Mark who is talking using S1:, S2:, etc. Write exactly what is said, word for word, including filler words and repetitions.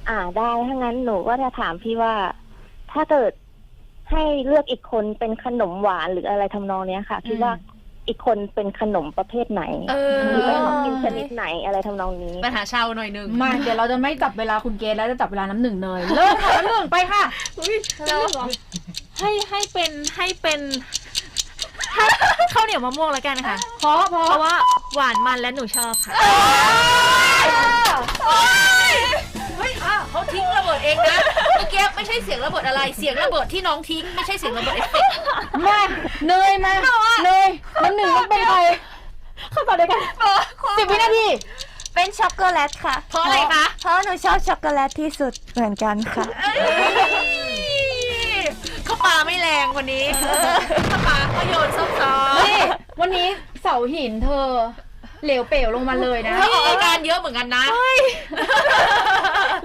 S1: อ่าได้ถ้างั้นหนูก็จะถามพี่ว่า ถ้าเกิดให้เลือกอีกคนเป็นขนมหวานหรืออะไรทำนองเนี้ยค่ะคิดว่าอีกคนเป็นขนมประเภทไหนหรือเป็นของกินชนิดไหนอะไรทำนองนี้
S2: ปัญหาชาวหน่อยหนึ่ง
S3: มาเดี๋ยวเราจะไม่จับเวลาคุณเกณฑ์แล้วจะจับเวลาน้ำหนึ่งเลยเริ่มค่ะน้ำหนึ่งไปค่ะ
S4: แล้วให้ให้เป็นให้เป็นให้ข้าวเหนียวมะม่วงแล้วกันค่ะ
S3: เพราะเพราะ
S4: เพราะว่าหวานมันและหนูชอบค่ะ
S2: เฮ้ยอ่ะเขาทิ้งระเบิดเองนะเมื่อกี้ไม่ใช่เสียงระเบิดอะไรเสียงระเบิดที่น้องทิ้งไม่ใช่เสียงระเบิดเอฟเฟกต์
S3: มาเนยมาเนยน้ำหนึ่งต้องเป็นใครเข้าต่อเลยกันสิบวินาที
S5: เป็นช็อกโกแลตค่ะ
S2: เพราะอะไรคะ
S5: เพราะหนูชอบช็อกโกแลตที่สุดเหมือนกันค่ะ
S2: เขาปาไม่แรงวันนี้เขาปาเขาโยนซอฟๆ
S3: นี่วันนี้เสาหินเธอเหลวเป๋วลงมาเลยนะ
S2: เธอออกอาการเยอะเหมือนกันนะ